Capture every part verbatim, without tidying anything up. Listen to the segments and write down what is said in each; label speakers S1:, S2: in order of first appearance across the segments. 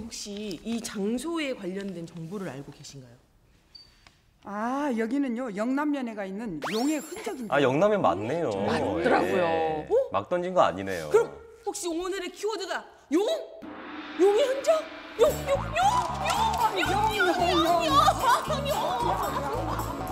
S1: 혹시 이 장소에 관련된 정보를 알고 계신가요?
S2: 아, 여기는요 영남면에가 있는 용의 흔적입니다.
S3: 아, 영남면 맞네요.
S1: 맞더라고요.
S3: 예.
S1: 어?
S3: 막 던진 거 아니네요.
S1: 그럼 혹시 오늘의 키워드가 용? 용의 흔적? 용, 용, 용, 용, 용, 용, 용, 용, 용, 용.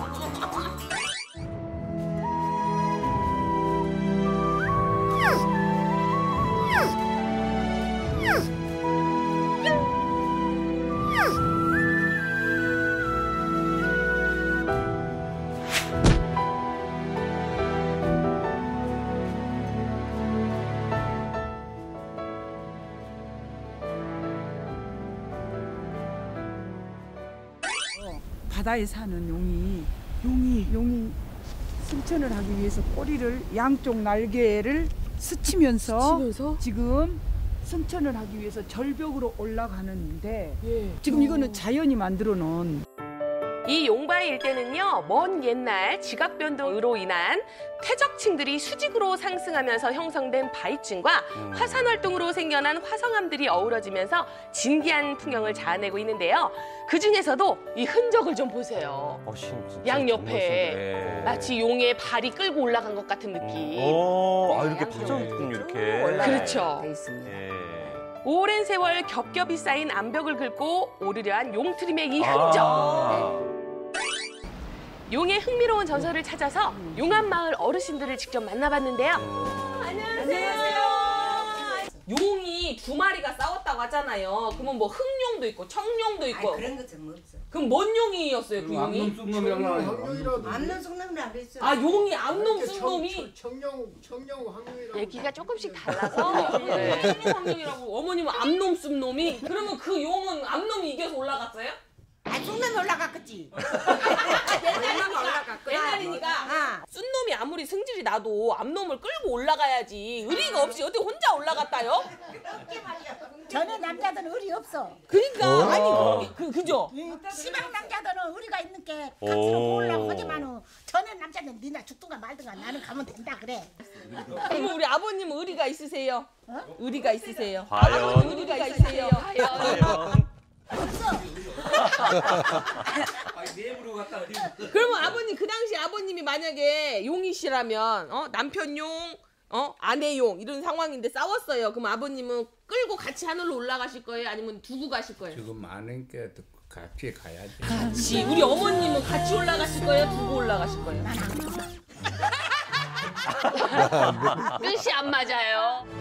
S2: 바다에 사는 용이 용이 용이 승천을 하기 위해서 꼬리를 양쪽 날개를 스치면서,
S1: 스치면서?
S2: 지금 승천을 하기 위해서 절벽으로 올라가는데
S1: 예.
S2: 지금 이거는 자연이 만들어 놓은
S1: 이 용바위 일대는요, 먼 옛날 지각 변동으로 인한 퇴적층들이 수직으로 상승하면서 형성된 바위층과
S3: 음.
S1: 화산 활동으로 생겨난 화성암들이 어우러지면서 진기한 풍경을 자아내고 있는데요. 그 중에서도 이 흔적을 좀 보세요.
S3: 어, 진- 진짜
S1: 양
S3: 정말
S1: 옆에
S3: 신기해.
S1: 마치 용의 발이 끌고 올라간 것 같은 느낌.
S3: 오, 아, 이렇게
S4: 양쪽에
S3: 파졌군요, 이렇게.
S4: 올라가야
S1: 그렇죠.
S4: 돼 있습니다.
S3: 예.
S1: 오랜 세월 겹겹이 쌓인 암벽을 긁고 오르려 한 용트림의 이 흔적.
S3: 아.
S1: 용의 흥미로운 전설을 찾아서 용암마을 어르신들을 직접 만나봤는데요.
S3: 음.
S1: 안녕하세요. 용이 두 마리가 싸웠다고 하잖아요. 그러면 뭐 흑용도 있고 청룡도 있고.
S4: 아니, 그런 것은 없어.
S1: 그럼 뭔 용이었어요, 그 용이?
S4: 암놈 쑥놈이라 그랬어.
S1: 아, 용이 암놈 쑥놈이?
S5: 청령 청령 황룡이라고.
S1: 얘기가 조금씩 달라서 네. 청룡 황룡이라고 어머님은 암놈 쑥놈이? 그러면 그 용은 암놈이 이겨서 올라갔어요?
S4: 아, 쑥놈이 올라갔겠지.
S1: 옛날이니까. 옛날이니까.
S4: 아.
S1: 쑥놈이 아무리 승질이 나도 암놈을 끌고 올라가야지. 의리가 없이 어떻게 혼자 올라갔다요?
S6: 전에 남자들은 의리 없어.
S1: 그러니까 아니 그 그죠?
S6: 시방 남자들은 의리가 있는 게
S3: 오.
S6: 값으로 보려고 하지만은 전에 남자는 니나 죽든가 말든가 나는 가면 된다 그래.
S1: 그러면 우리 아버님 의리가 있으세요? 의리가 있으세요?
S3: 과연?
S1: 아버님 의리가 있으세요? 과연? 그러면 아버님 그 당시 아버님이 만약에 용이시라면 어 남편 용, 어 아내 용 이런 상황인데 싸웠어요. 그럼 아버님은 끌고 같이 하늘로 올라가실 거예요? 아니면 두고 가실 거예요?
S5: 지금 많은 게 같이 가야지.
S1: 같이. 우리 어머님은 같이 올라가실 거예요? 두고 올라가실 거예요? 끝이 안 맞아요.